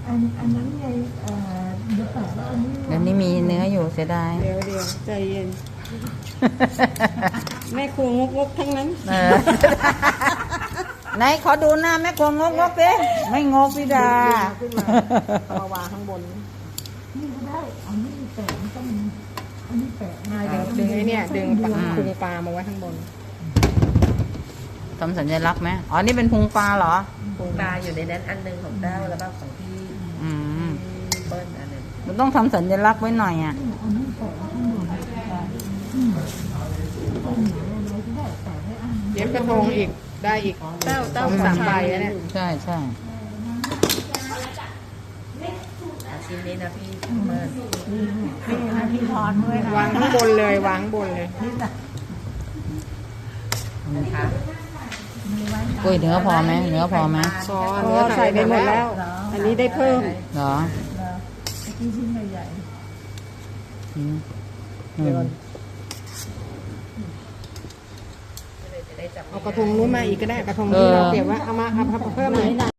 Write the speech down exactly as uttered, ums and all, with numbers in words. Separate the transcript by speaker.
Speaker 1: อันอันนั้นไงเอ่อเดี๋ยวแปะแล้วอันนี้
Speaker 2: เดี๋ยวนี้มีเนื้ออยู่เสียดาย
Speaker 3: เดี๋ยวเดี๋ยวใจเย็น แม่ครัวงกงกทั้งนั้น
Speaker 2: เออ ไหนขอดูหน้าแม่กวงงกงกสิไม่งกพี่ดา
Speaker 3: ขึ้นมามาวางข้างบน
Speaker 1: นี่ก็ได้อันนี้แปะมันต้องอันนี้แปะมา
Speaker 3: ดึงดึงไอ้เนี่ยดึงปลาพุงปลามาไว้ข้างบน
Speaker 2: ทำสัญลักษณ์ไหมอ๋อนี่เป็นพุงปลาเหรอ
Speaker 4: พุงปลาอยู่ในนั้นอันหนึ่งของเต้าแล้วก็ของพี่
Speaker 2: อืม
Speaker 4: เปิ้ลอันหนึ่ง
Speaker 2: มันต้องทำสัญลักษณ์ไว้หน่อยอ่ะ
Speaker 1: อันนี้แปะข้างบนอืมต้นหมาอะไรก็ได้แปะไว้อัน
Speaker 3: เย็บกระทงอีกได้อีก
Speaker 4: เต้าเต้า
Speaker 3: สามใบแล้วเนี่ย
Speaker 2: ใช่ใช่
Speaker 4: อาชิ้นนี้นะพี่เปิ้ล
Speaker 1: นี่นะพี่ทอนด้วยนะ
Speaker 3: วางข้างบนเลยวางข้างบนเลย
Speaker 1: นี่นะ
Speaker 4: นะคะ
Speaker 1: มีไว้
Speaker 2: กุ้ยเนื้อพอไหมเนื้อพอไหม
Speaker 3: ซอเนื้อใส่ไปหมดแล้ว อันนี้ได้เพิ่ม
Speaker 2: เหรอ
Speaker 1: แล้วไอ้ที่ชิ้นใหญ่
Speaker 2: อืมอื
Speaker 3: เดี๋ยว
Speaker 2: ม
Speaker 4: จะได้จับ
Speaker 3: เอากระทงนู้นมาอีกก็ได้กระทงที่เราเก็บไว้เอามาเอาเพิ่มเลย